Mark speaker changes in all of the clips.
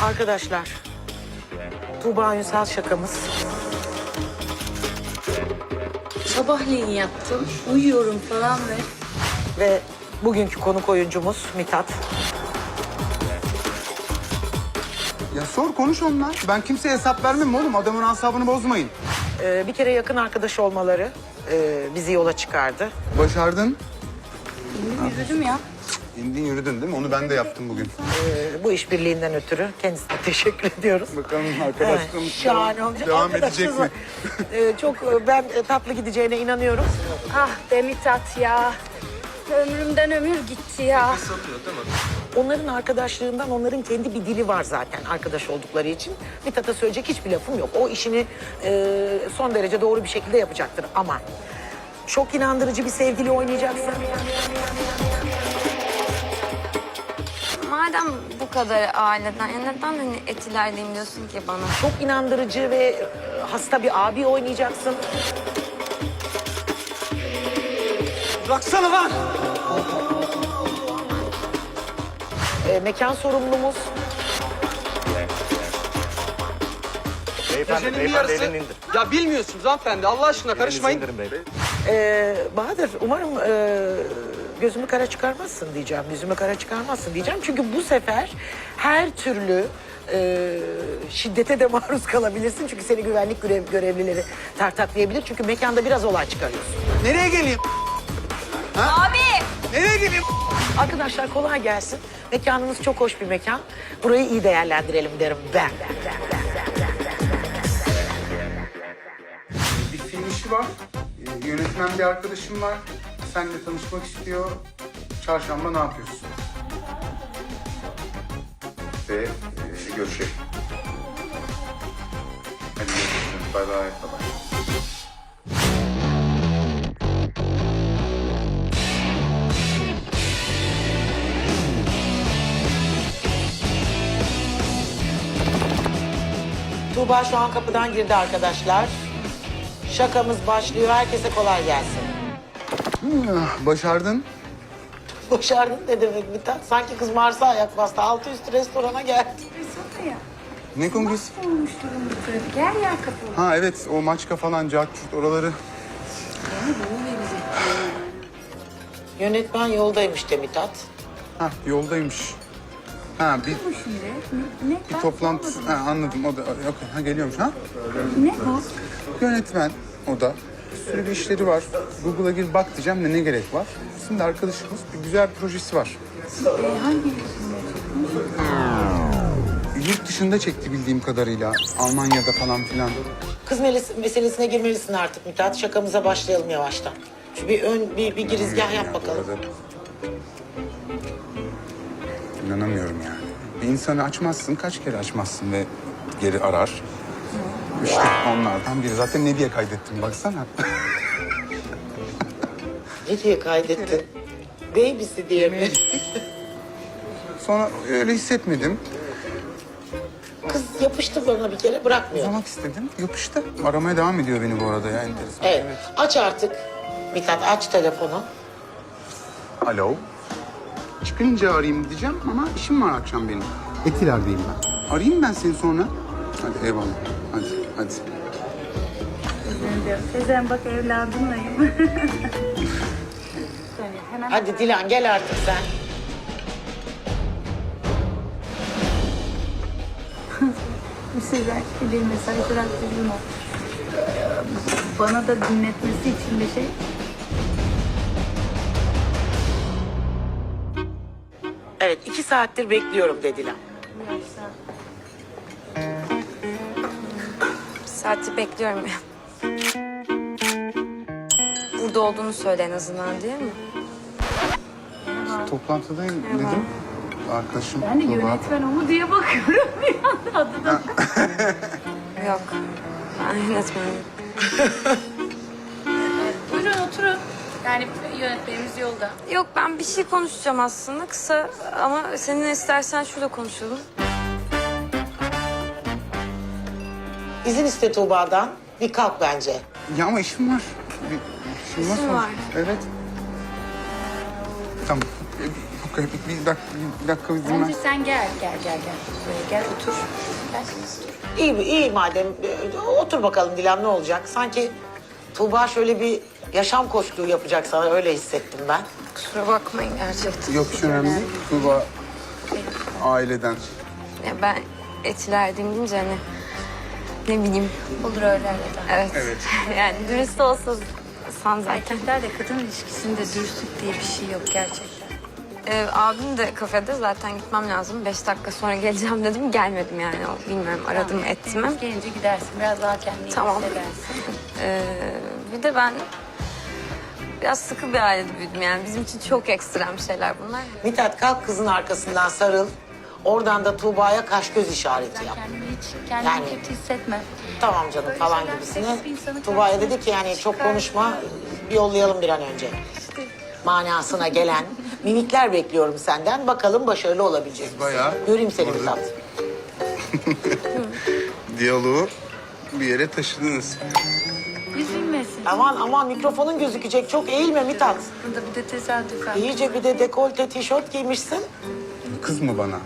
Speaker 1: Arkadaşlar, Tuğba Ünsal şakamız.
Speaker 2: Sabahleyin yaptım. Uyuyorum falan
Speaker 1: Ve bugünkü konuk oyuncumuz Mithat.
Speaker 3: Ya sor konuş onunla. Ben kimseye hesap vermem oğlum. Adamın asabını bozmayın.
Speaker 1: Bir kere yakın arkadaş olmaları bizi yola çıkardı.
Speaker 3: Başardın.
Speaker 2: yürüdüm ya.
Speaker 3: İndin yürüdün değil mi? Onu ben de yaptım bugün.
Speaker 1: Bu işbirliğinden ötürü kendisine teşekkür ediyoruz.
Speaker 3: Bakalım arkadaşlığımız
Speaker 1: Şahane olacak.
Speaker 3: devam edecek mi?
Speaker 1: Çok ben tatlı gideceğine inanıyorum.
Speaker 2: Ah be Mithat ya. Ömrümden ömür gitti ya.
Speaker 1: Onların arkadaşlığından onların kendi bir dili var zaten arkadaş oldukları için. Mithat'a söyleyecek hiçbir lafım yok. O işini son derece doğru bir şekilde yapacaktır ama çok inandırıcı bir sevgili oynayacaksın.
Speaker 2: Madem bu kadar aileden, ya neden hani Etiler'deyim diyorsun ki bana?
Speaker 1: Çok inandırıcı ve hasta bir abi oynayacaksın.
Speaker 3: Bıraksana lan!
Speaker 1: Mekan sorumlumuz.
Speaker 4: Beyefendi,
Speaker 5: Gecenin bir yarısı.
Speaker 4: elini indir.
Speaker 5: Ya bilmiyorsunuz hanımefendi. Allah aşkına karışmayın.
Speaker 4: Elinizi indirin beyefendi.
Speaker 1: Bahadır umarım gözümü kara çıkarmazsın diyeceğim. Yüzümü kara çıkarmazsın diyeceğim. Çünkü bu sefer her türlü şiddete de maruz kalabilirsin. Çünkü seni güvenlik görevlileri tartaklayabilir. Çünkü mekanda biraz olay çıkarıyorsun.
Speaker 3: Nereye geleyim?
Speaker 2: Abi!
Speaker 3: Nereye geleyim?
Speaker 1: Arkadaşlar kolay gelsin. Mekanımız çok hoş bir mekan. Burayı iyi değerlendirelim derim ben.
Speaker 3: Bir film işi var. Yönetmen bir arkadaşım var. Seninle tanışmak istiyor. Çarşamba ne yapıyorsun? Ve görüşelim. Hadi görüşürüz. Bay bay. Bay bay.
Speaker 1: Tuğba şu an kapıdan girdi arkadaşlar. Şakamız başlıyor. Herkese kolay gelsin.
Speaker 3: Başardın.
Speaker 1: Başardın ne demek Mithat? Sanki kız Mars'a ayak bastı. Altı üstü restorana geldi.
Speaker 3: Ne kongresi?
Speaker 2: Olmuş durumda trafik. Her yer kapalı.
Speaker 3: Ha evet, o Maçka falan, Cahçurt oraları.
Speaker 1: Yönetmen yoldaymış de Mithat.
Speaker 3: Ha yoldaymış. Ha bir
Speaker 2: Ne?
Speaker 3: Bir toplantı, ha, anladım. O da yok, ha geliyormuş ha.
Speaker 2: Ne bu?
Speaker 3: Yönetmen o da. Bir sürü bir işleri var. Google'a gir bak diyeceğim de ne gerek var. Şimdi arkadaşımız bir güzel bir projesi var.
Speaker 2: Hangi?
Speaker 3: Yurt dışında çekti bildiğim kadarıyla. Almanya'da falan filan.
Speaker 1: Kız meselesine girmelisin artık Mithat. Şakamıza başlayalım yavaştan. Şu bir girizgah yap bakalım.
Speaker 3: İnanamıyorum yani. Bir insanı açmazsın, kaç kere açmazsın ve geri arar. İşte onlardan biri. Zaten ne diye kaydettim baksana.
Speaker 1: Ne diye kaydettin? Babysi diye mi?
Speaker 3: Sonra öyle hissetmedim.
Speaker 1: Kız yapıştı bana bir kere bırakmıyor.
Speaker 3: Uzamak istedim, yapıştı. Aramaya devam ediyor beni bu arada ya, enteresan.
Speaker 1: Evet. Aç artık. Mithat aç telefonu.
Speaker 3: Alo. Çıkınca arayayım diyeceğim ama işim var akşam benim. Etiler'deyim ben. Arayayım ben seni sonra. Hadi eyvallah. Hadi.
Speaker 2: Teyzem bak evladımlayım.
Speaker 1: Hadi Dilan gel artık sen.
Speaker 2: Sizden bir mesaj bıraktırdım o. Bana da dinletmesi için bir şey.
Speaker 1: Evet 2 saattir bekliyorum de Dilan.
Speaker 6: Saati bekliyorum ya. Burada olduğunu söyle en azından değil mi?
Speaker 3: Toplantıdayım dedim. Arkadaşım
Speaker 2: Ben de
Speaker 3: Tuğba.
Speaker 2: yönetmen o mu diye bakıyorum bir anda adına.
Speaker 6: Yok. Ben yönetmenim.
Speaker 2: Buyurun oturun. Yani yönetmenimiz yolda.
Speaker 6: Yok ben bir şey konuşacağım aslında kısa ama seninle istersen şurada konuşalım.
Speaker 1: İzin iste Tuğba'dan. Bir kalk bence.
Speaker 3: Ya ama işim var. İşim
Speaker 6: İşin
Speaker 3: sonuçta.
Speaker 6: var.
Speaker 3: Evet. Tamam. Bir dakika bir dinle.
Speaker 2: Bence sen gel. Buraya gel otur. Gel.
Speaker 1: İyi madem. Otur bakalım Dilan, ne olacak? Sanki Tuğba şöyle bir yaşam koçluğu yapacak sana, öyle hissettim ben.
Speaker 6: Kusura bakmayın gerçekten.
Speaker 3: Yok hiç önemli değil. Tuğba aileden.
Speaker 6: Ya ben Etiler'deyim deyince hani ne bileyim.
Speaker 2: Olur öyle.
Speaker 6: Evet. Yani dürüst olsun san zaten.
Speaker 2: Erkekler de kadın ilişkisinde dürüstlük diye bir şey yok gerçekten.
Speaker 6: Abim de kafede, zaten gitmem lazım. 5 dakika sonra geleceğim dedim, gelmedim yani. Bilmiyorum, aradım ettim mi?
Speaker 2: Gelince gidersin. Biraz daha kendini
Speaker 6: Tamam.
Speaker 2: hissedersin.
Speaker 6: Bir de ben biraz sıkı bir ailede büyüdüm yani. Bizim için çok ekstrem şeyler bunlar.
Speaker 1: Mithat, kalk kızın arkasından sarıl. Oradan da Tuğba'ya kaş göz işareti yap.
Speaker 2: Kendini
Speaker 1: Yani-
Speaker 2: kötü hissetme.
Speaker 1: Tamam canım
Speaker 2: Böyle
Speaker 1: falan
Speaker 2: şeyler
Speaker 1: gibisine.
Speaker 2: seksiz bir insanı
Speaker 1: Tuğba'ya
Speaker 2: karşısına
Speaker 1: dedi ki yani çok
Speaker 2: çıkar.
Speaker 1: konuşma, bir yollayalım bir an önce. Manasına gelen minikler bekliyorum senden. Bakalım başarılı olabilecek misin?
Speaker 3: Bayağı.
Speaker 1: Göreyim seni
Speaker 3: Orada.
Speaker 1: Mithat.
Speaker 3: Diyaloğu bir yere taşıdınız.
Speaker 2: Üzülmesin.
Speaker 1: Aman mikrofonun gözükecek. Çok eğilme Mithat.
Speaker 2: Burada bir de tesadüfen.
Speaker 1: İyice bir de dekolte tişört giymişsin.
Speaker 3: Kız mı bana?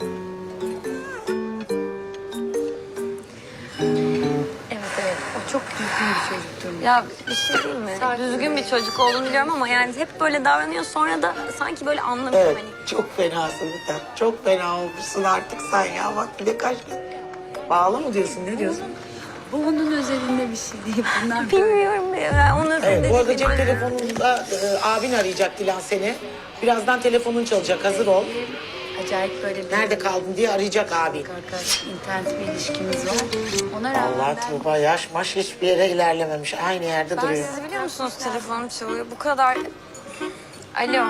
Speaker 2: Evet. O çok düzgün bir çocuktur.
Speaker 6: Ya bir şey değil mi? Düzgün bir çocuk olduğunu biliyorum ama yani hep böyle davranıyor. Sonra da sanki böyle anlamıyor
Speaker 1: Evet,
Speaker 6: hani.
Speaker 1: çok fenasın Mithat. Çok fena olmuşsun artık sen ya. Bak bir de kaç... Bağlı mı diyorsun, ne diyorsun?
Speaker 2: Bu onun özelinde bir şey değil. Bunlar böyle.
Speaker 6: Bilmiyorum ya. Onun
Speaker 1: Evet, bu arada cep
Speaker 6: böyle-
Speaker 1: telefonunda abin arayacak Dilan seni. Birazdan telefonun çalacak, hazır ol.
Speaker 2: Acayip böyle bir
Speaker 1: Nerede kaldın diye arayacak abin.
Speaker 2: arkadaş, internet bir ilişkimiz var. Ona rağmen
Speaker 1: Allah
Speaker 2: ben
Speaker 1: Tuğba yaş maş hiçbir yere ilerlememiş. Aynı yerde
Speaker 6: Ben
Speaker 1: duruyor.
Speaker 6: sizi biliyor musunuz, telefonum çalıyor. Bu kadar... Alo.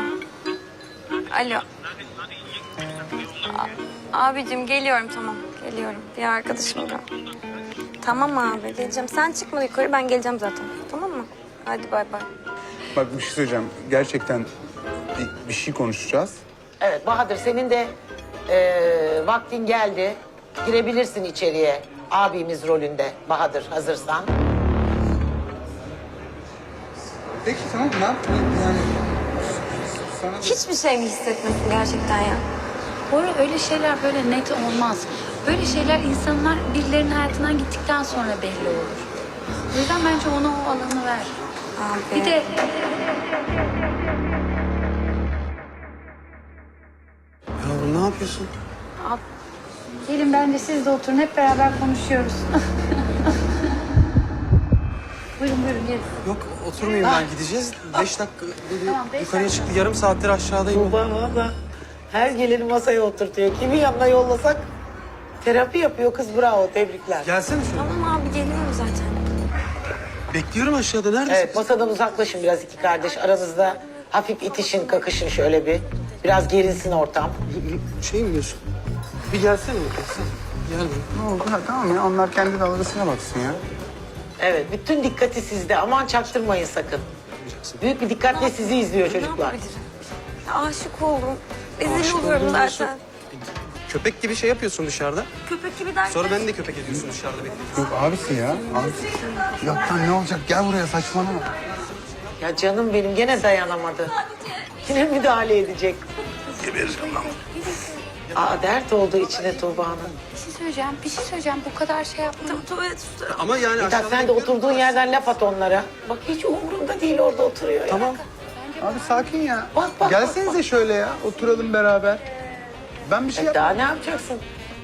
Speaker 6: Abicim geliyorum, tamam. Geliyorum. Bir arkadaşım da. Tamam abi, geleceğim. Sen çıkma yukarı, ben geleceğim zaten. Tamam mı? Hadi bay bay.
Speaker 3: Bak bir şey söyleyeceğim. Gerçekten bir şey konuşacağız.
Speaker 1: Evet Bahadır, senin de vaktin geldi. Girebilirsin içeriye abimiz rolünde. Bahadır, hazırsan.
Speaker 3: Peki tamam ne yapayım yani? Sana da...
Speaker 6: Hiçbir şey mi hissetmesin gerçekten ya?
Speaker 2: Bora öyle şeyler böyle net olmaz. Böyle şeyler insanlar birilerinin hayatından gittikten sonra belli olur. O yüzden bence ona o alanı ver.
Speaker 6: Abi.
Speaker 2: Bir de
Speaker 5: Yavrum ne yapıyorsun?
Speaker 2: gelin bence siz de oturun hep beraber konuşuyoruz. buyurun gelin.
Speaker 5: Yok oturmayayım ben, gideceğiz. 5 dakika dedi,
Speaker 2: Tamam, beş
Speaker 5: yukarıya
Speaker 2: dakika.
Speaker 5: çıktı. Yarım saattir aşağıdayım.
Speaker 1: Tuğba valla her geleni masaya oturtuyor. Kimin yanına yollasak terapi yapıyor kız, bravo, tebrikler.
Speaker 5: Gelsene şöyle.
Speaker 6: Tamam abi, geliyorum zaten.
Speaker 5: Bekliyorum aşağıda, neredesin?
Speaker 1: Evet, masadan uzaklaşın biraz iki kardeş. Aranızda hafif itişin, kakışın şöyle bir. Biraz gerilsin ortam.
Speaker 5: Şey mi diyorsun? Bir gelsene sen. Gel buraya.
Speaker 3: Ne oldu? Ha, tamam ya onlar kendi dalgasına baksın ya.
Speaker 1: Evet, bütün dikkati sizde. Aman çaktırmayın sakın. Büyük bir dikkatle sizi izliyor
Speaker 6: Ne
Speaker 1: çocuklar.
Speaker 6: yapabilirim? Ya, aşık oldum. Rezil
Speaker 5: Aşık
Speaker 6: oluyorum
Speaker 5: oldum diyorsun.
Speaker 6: zaten.
Speaker 5: Köpek gibi şey yapıyorsun dışarıda.
Speaker 6: Köpek gibi derken.
Speaker 5: Sonra beni de köpek ediyorsun dışarıda bekliyorsun.
Speaker 3: Yok abisi ya. Abisi. Yok lan ne olacak? Gel buraya saçmalama.
Speaker 1: Ya canım benim gene dayanamadı. Yine müdahale edecek.
Speaker 3: Gebereceğim lan.
Speaker 1: Aa, dert oldu içine Tuğba'nın.
Speaker 2: Bir şey söyleyeceğim. Bu kadar şey yapma.
Speaker 6: Tuvalet üstü.
Speaker 5: Ama yani
Speaker 1: Mithat,
Speaker 5: aşağıda
Speaker 1: sen de
Speaker 5: bekliyorum.
Speaker 1: oturduğun yerden laf at onlara. Bak hiç umurunda değil, orada oturuyor ya.
Speaker 5: Tamam.
Speaker 3: Abi sakin ya.
Speaker 1: Bak,
Speaker 3: Gelsenize şöyle ya. Oturalım beraber. Ben bir şey
Speaker 1: Daha ne yapacaksın?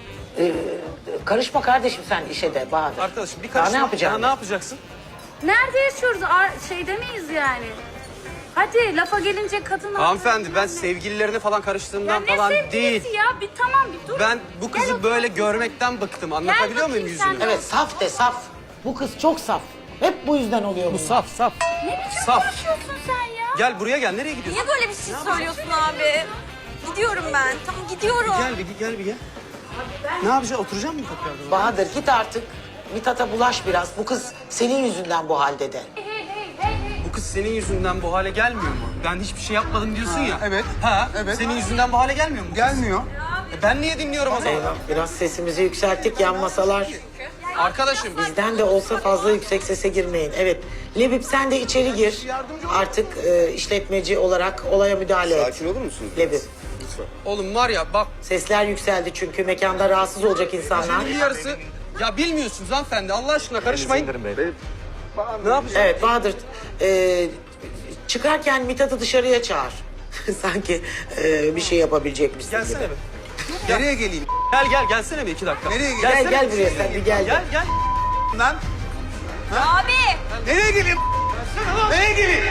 Speaker 1: Karışma kardeşim sen işe de Bahadır.
Speaker 5: Arkadaşım bir
Speaker 1: Daha
Speaker 5: karışma.
Speaker 1: ne yapacaksın?
Speaker 5: Ne yapacaksın?
Speaker 2: Nerede yaşıyoruz? Şeyde miyiz yani? Hadi lafa gelince kadın...
Speaker 5: Hanımefendi, ben sevgililerine falan karıştığımdan falan değil.
Speaker 2: ya? Bir tamam bir dur.
Speaker 5: Ben bu kızı böyle görmekten bıktım. Anlatabiliyor muyum
Speaker 2: bakayım sen
Speaker 5: yüzünü?
Speaker 2: de.
Speaker 1: Evet, saf de saf. Bu kız çok saf. Hep bu yüzden oluyor bu.
Speaker 5: Saf.
Speaker 2: Ne biçim
Speaker 5: Saf.
Speaker 2: konuşuyorsun sen ya?
Speaker 5: Gel buraya gel. Nereye gidiyorsun?
Speaker 6: Niye böyle bir şey söylüyorsun abi? Gidiyorum ben. Tamam gidiyorum.
Speaker 5: Gel bir gel. Ne yapacağız? Oturacak mısın tekrardan?
Speaker 1: Bahadır git artık. Mithat'a bulaş biraz. Bu kız senin yüzünden bu halde de.
Speaker 5: Bu kız senin yüzünden bu hale gelmiyor mu? Ben hiçbir şey yapmadım diyorsun ya.
Speaker 3: evet.
Speaker 5: Ha,
Speaker 3: Evet.
Speaker 5: Senin yüzünden bu hale gelmiyor mu?
Speaker 3: Gelmiyor.
Speaker 5: Ben niye dinliyorum o zaman?
Speaker 1: Biraz sesimizi yükselttik, yan masalar.
Speaker 5: Arkadaşım.
Speaker 1: Bizden de olsa fazla yüksek sese girmeyin. Evet. Lebip sen de içeri gir. Artık işletmeci olarak olaya müdahale et.
Speaker 3: Sakin olur musunuz?
Speaker 1: Lebip.
Speaker 3: Lütfen.
Speaker 5: Oğlum var ya bak.
Speaker 1: Sesler yükseldi çünkü mekanda rahatsız olacak insanlar.
Speaker 5: Bir yarısı. Ya bilmiyorsunuz hanımefendi. Allah aşkına karışmayın. Ne yapacağız?
Speaker 1: Evet Bahadır. Çıkarken Mithat'ı dışarıya çağır. Sanki bir şey yapabilecekmişsin
Speaker 5: Gelsene
Speaker 1: gibi.
Speaker 5: bir.
Speaker 3: Nereye geleyim?
Speaker 5: Gel gelsene bir 2 dakika.
Speaker 3: Nereye
Speaker 1: Gel
Speaker 3: geleyim?
Speaker 1: gel buraya sen bir gel.
Speaker 5: Gel.
Speaker 3: Lan?
Speaker 6: Abi.
Speaker 3: Nereye geleyim? Nereye geleyim?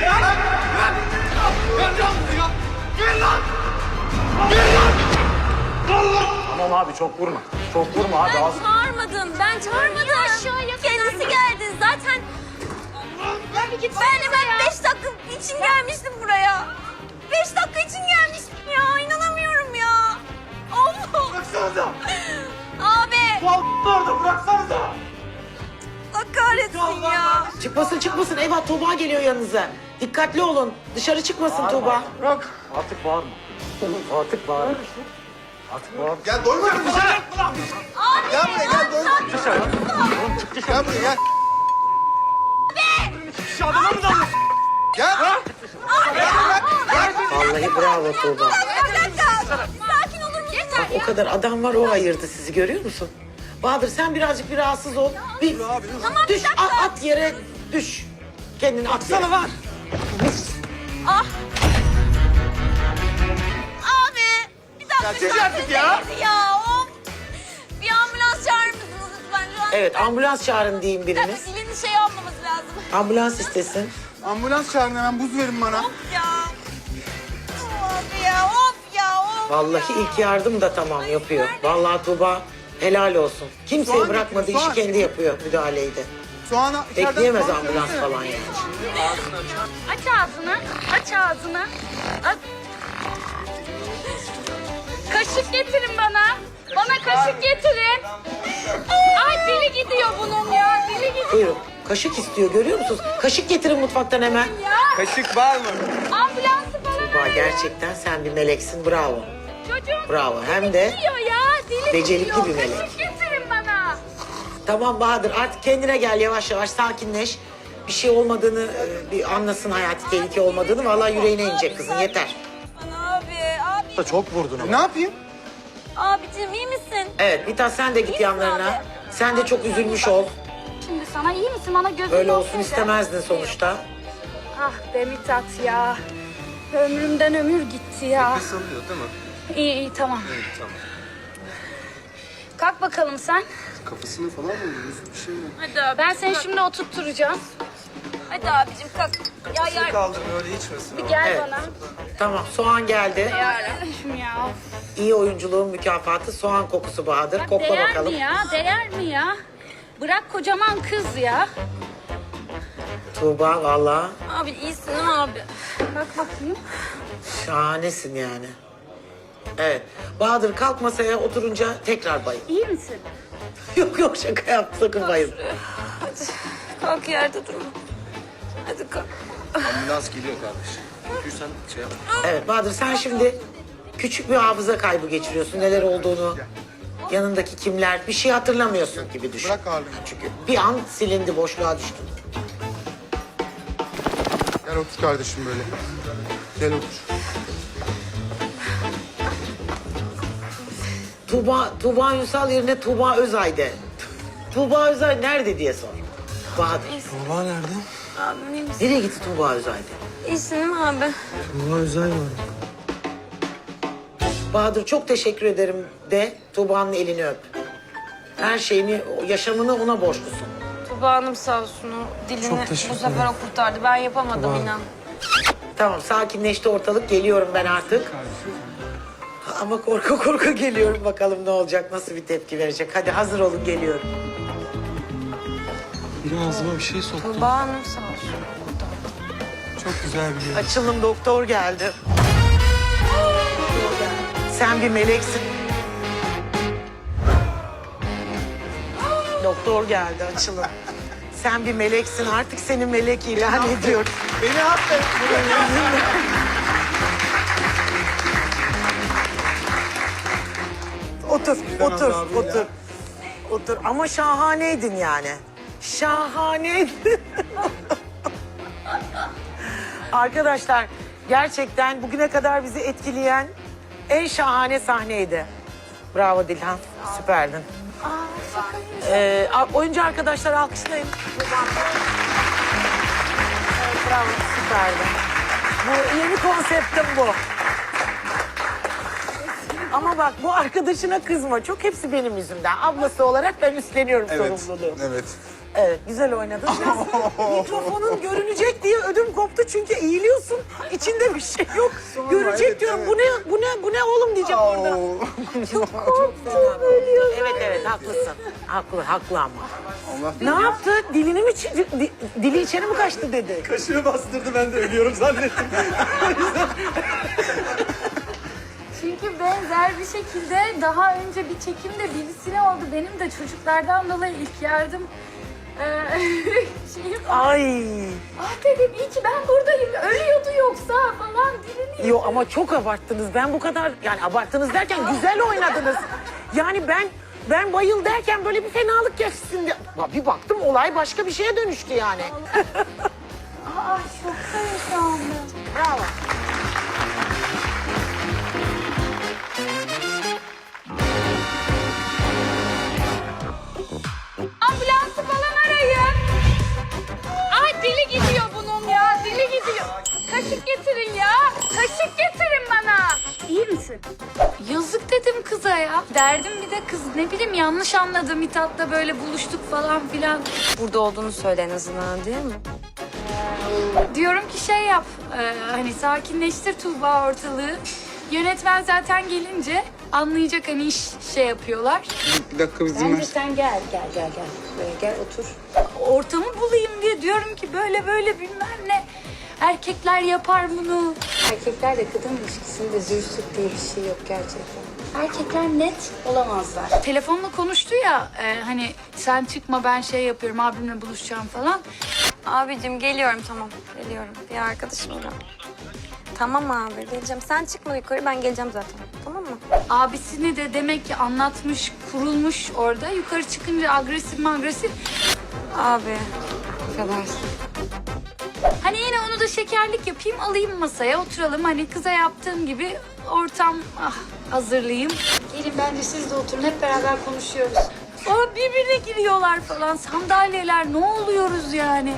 Speaker 4: Tamam abi çok vurma. Çok vurma abi. Az...
Speaker 6: Ben çağırmadım. Ben çağırmadım. Kendisi geldi. Zaten ben hemen 5 dakika için gelmiştim buraya. 5 dakika için gelmiştim ya. İnanamıyorum ya. Allah.
Speaker 5: Bıraksanıza.
Speaker 6: Abi.
Speaker 5: Orada bıraksanıza.
Speaker 6: Allah kahretsin ya.
Speaker 1: Çıkmasın. Eyvah Tuğba geliyor yanınıza. Dikkatli olun. Dışarı çıkmasın Tuğba.
Speaker 5: Bırak.
Speaker 4: Artık bağırma. Artık bağırma. Artık bağırma.
Speaker 3: Gel doyma dışarı.
Speaker 6: Abi.
Speaker 3: Gel buraya gel doyma. Gel buraya gel.
Speaker 5: Şu adama mı dalıyorsun?
Speaker 3: Gel.
Speaker 1: Vallahi bravo Tuğba.
Speaker 6: Bir dakika. Sakin olur musun? Yeter
Speaker 1: O kadar adam var o ayırdı sizi görüyor musun? Bahadır sen birazcık bir rahatsız ol. Bir düş at yere düş. Kendini at yere.
Speaker 5: Sana var.
Speaker 6: Ah. Abi. Bir dakika.
Speaker 3: Çek artık ya.
Speaker 6: Ya of. Bir ambulans çağırır mısınız lütfen? Şu an
Speaker 1: Evet ambulans çağırın diyeyim biriniz.
Speaker 6: dilini şey yapmamız lazım.
Speaker 1: Ambulans istesin.
Speaker 3: Ambulans çağırın hemen buz verin bana.
Speaker 6: Of ya. Of ya. Of ya. Of
Speaker 1: Vallahi
Speaker 6: ya.
Speaker 1: ilk yardım da tamam yapıyor. Vallahi Tuğba helal olsun. Kimseye
Speaker 3: Soğan
Speaker 1: bırakmadı
Speaker 3: getir,
Speaker 1: işi
Speaker 3: soğan.
Speaker 1: kendi yapıyor müdahaleyi de.
Speaker 3: Soğanı içeriden
Speaker 1: Bekleyemez
Speaker 3: soğan
Speaker 1: ambulans
Speaker 3: söylesene.
Speaker 1: falan yani.
Speaker 2: Aç ağzını. Aç ağzını. Aç. Kaşık getirin bana. Bana kaşık getirin. Ay dili gidiyor bunun ya. Dili gidiyor
Speaker 1: Buyurun. Kaşık istiyor görüyor musunuz? Kaşık getirin mutfaktan hemen.
Speaker 2: ya.
Speaker 5: Kaşık var mı?
Speaker 2: Ambulansı falan
Speaker 1: Tuğba gerçekten sen bir meleksin bravo.
Speaker 2: çocuğum.
Speaker 1: Bravo hem de
Speaker 2: Gidiyor ya. Dili
Speaker 1: becerikli
Speaker 2: gidiyor.
Speaker 1: bir melek.
Speaker 2: Kaşık getirin bana.
Speaker 1: Tamam Bahadır artık kendine gel yavaş yavaş sakinleş. Bir şey olmadığını bir anlasın hayati tehlike olmadığını. Vallahi yüreğine inecek kızın yeter.
Speaker 6: Abi.
Speaker 4: Çok vurdun ama.
Speaker 3: Ne yapayım?
Speaker 6: Abicim iyi misin?
Speaker 1: Evet Mithat sen de git
Speaker 6: İyisin
Speaker 1: yanlarına.
Speaker 6: abi.
Speaker 1: Sen de çok üzülmüş ol.
Speaker 2: Şimdi sana iyi misin? Bana gözün
Speaker 1: Öyle
Speaker 2: olsun
Speaker 1: olsun
Speaker 2: de.
Speaker 1: istemezdin sonuçta.
Speaker 2: Ah be Mithat ya. Ömrümden ömür gitti ya.
Speaker 5: Salıyor değil mi?
Speaker 2: İyi tamam.
Speaker 5: Tamam.
Speaker 2: Kalk bakalım sen.
Speaker 3: Kafasını falan mı vuruyorsun? Bir şey mi?
Speaker 6: Hadi abi.
Speaker 2: Ben seni şimdi oturtturacağım.
Speaker 6: Hadi abicim kalk. Ya
Speaker 5: Kaldır öyle içmesin.
Speaker 2: Bir gel
Speaker 1: Evet.
Speaker 2: bana.
Speaker 1: Tamım soğan geldi.
Speaker 2: Yarabbim ya.
Speaker 1: İyi oyunculuğun mükafatı soğan kokusu Bahadır. Kokla
Speaker 2: Değer
Speaker 1: bakalım.
Speaker 2: mi ya? Değer mi ya? Bırak kocaman kız ya.
Speaker 1: Tuğba vallahi
Speaker 6: Abi iyisin değil mi abi?
Speaker 2: Bak bakayım.
Speaker 1: şahanesin yani. Evet. Bahadır kalk masaya oturunca tekrar bayıl.
Speaker 2: İyi misin?
Speaker 1: Yok şaka yaptım sakın bayıl.
Speaker 6: Hadi kalk yerde durma. Hadi kalk.
Speaker 5: Ambulans geliyor kardeşim. Sen şey yap.
Speaker 1: Evet Bahadır sen şimdi küçük bir hafıza kaybı geçiriyorsun. Neler olduğunu, yanındaki kimler bir şey hatırlamıyorsun gibi düşün.
Speaker 3: Bırak ağırlığını.
Speaker 1: Çünkü bir an silindi boşluğa düştün.
Speaker 3: Gel otur kardeşim böyle. Gel otur.
Speaker 1: Tuğba Ünsal yerine Tuğba Özay de. Tuğba Özay nerede diye sor. Bahadır.
Speaker 5: Tuğba nerede?
Speaker 6: Abim iyi misin?
Speaker 1: Nereye gitti Tuğba Özay de?
Speaker 6: İyisin değil mi abi?
Speaker 5: Tuğba özel var.
Speaker 1: Bahadır çok teşekkür ederim de Tuğba'nın elini öp. Her şeyini, yaşamını ona borçlusun.
Speaker 6: Tuba Hanım sağ olsun o dilini
Speaker 5: Çok teşekkür
Speaker 6: bu sefer o kurtardı. Ben yapamadım inan.
Speaker 1: Tamam sakinleşti ortalık geliyorum ben artık. Ama korku geliyorum bakalım ne olacak nasıl bir tepki verecek. Hadi hazır olun geliyorum.
Speaker 5: Biri ağzıma bir şey soktu.
Speaker 6: Tuba Hanım sağ olsun.
Speaker 5: Çok güzel bir yer.
Speaker 1: Açılım doktor geldi. Sen bir meleksin. Doktor geldi açılım. Sen bir meleksin artık seni melek ilan ediyorum.
Speaker 5: Beni affet.
Speaker 1: Otur, otur, otur. Otur ama şahaneydin yani. Şahaneydin. Arkadaşlar gerçekten bugüne kadar bizi etkileyen en şahane sahneydi. Bravo Dilhan, süperdin. Oyuncu arkadaşlar alkışlayın. Evet, bravo, süperdi. Bu yeni konseptim bu. Ama bak bu arkadaşına kızma. Çok hepsi benim yüzümden. Ablası olarak ben üstleniyorum sorumluluğu.
Speaker 3: Evet.
Speaker 1: Evet, güzel oynadın. Biraz mikrofonun görünecek diye ödüm koptu çünkü eğiliyorsun. İçinde bir şey yok. Görecek
Speaker 3: evet,
Speaker 1: diyorum.
Speaker 3: evet.
Speaker 1: Bu ne oğlum diyeceğim orada.
Speaker 3: Çok
Speaker 1: Korktum, evet haklısın. Haklı ama.
Speaker 3: Allah
Speaker 1: Ne yaptı? Dilini mi dili içeri mi kaçtı dedi.
Speaker 5: Kaşığı bastırdı, ben de ölüyorum zannettim.
Speaker 2: Çünkü benzer bir şekilde daha önce bir çekimde birisine oldu. Benim de çocuklardan dolayı ilk yardım şeyim var.
Speaker 1: Ay.
Speaker 2: Ah dedim iyi ki ben buradayım. Ölüyordu yoksa falan dilini.
Speaker 1: Yo ama çok abarttınız. Ben bu kadar yani abarttınız derken güzel oynadınız. Yani ben bayıl derken böyle bir fenalık geçsin diye. Bir baktım olay başka bir şeye dönüştü yani.
Speaker 2: Aa şoktayım şu anda.
Speaker 1: Bravo.
Speaker 2: Ambulansı falan arayın. Ay dili gidiyor bunun ya. Dili gidiyor. Kaşık getirin ya. Kaşık getirin bana. İyi misin? Yazık dedim kıza ya. Derdim bir de kız ne bileyim yanlış anladı. Mithat'la böyle buluştuk falan filan.
Speaker 6: Burada olduğunu söyle en azından, değil mi?
Speaker 2: Diyorum ki şey yap. Hani sakinleştir Tuğba ortalığı. Yönetmen zaten gelince anlayacak hani iş şey yapıyorlar.
Speaker 3: Bir dakika bizim
Speaker 2: Bence sen gel. Böyle gel otur. Ortamı bulayım diye diyorum ki böyle bilmem ne. Erkekler yapar bunu.
Speaker 7: Erkeklerle kadın ilişkisinde züğürsüt diye bir şey yok gerçekten.
Speaker 2: Erkekler net olamazlar. Telefonla konuştu ya hani sen çıkma ben şey yapıyorum abimle buluşacağım falan.
Speaker 6: Abicim geliyorum, tamam. Geliyorum. Bir arkadaşımla. Tamam abi, geleceğim. Sen çıkma yukarı, ben geleceğim zaten. Tamam mı?
Speaker 2: Abisini de demek ki anlatmış, kurulmuş orada. Yukarı çıkınca agresif.
Speaker 6: Abi. Affedersin.
Speaker 2: Hani yine onu da şekerlik yapayım, alayım masaya, oturalım. Hani kıza yaptığım gibi ortam hazırlayayım. Gelin bence siz de oturun, hep beraber konuşuyoruz. O birbirine giriyorlar falan, sandalyeler, ne oluyoruz yani?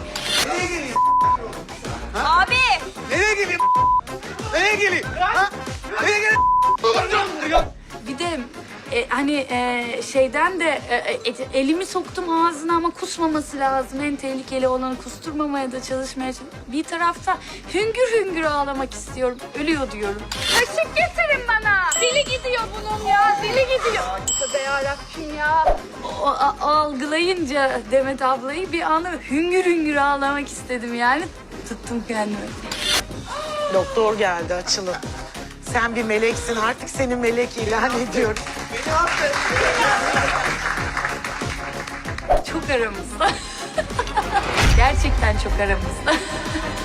Speaker 6: Abi!
Speaker 5: Nereye geleyim? Nereye geleyim? Ha? Nereye geleyim?
Speaker 2: Bir de hani şeyden de elimi soktum ağzına ama kusmaması lazım. En tehlikeli olanı kusturmamaya da çalışmaya çalışıyorum. Bir tarafta hüngür hüngür ağlamak istiyorum. Ölüyor diyorum. Kaşık getirin bana. Dili gidiyor bunun ya. Dili gidiyor. Tövbe yarabbim ya. O algılayınca Demet ablayı bir anda hüngür hüngür ağlamak istedim yani. Tuttum kendimi.
Speaker 1: Doktor geldi açılın. Sen bir meleksin artık seni melek ilan ediyorum.
Speaker 2: Çok aramızda. Gerçekten çok aramızda.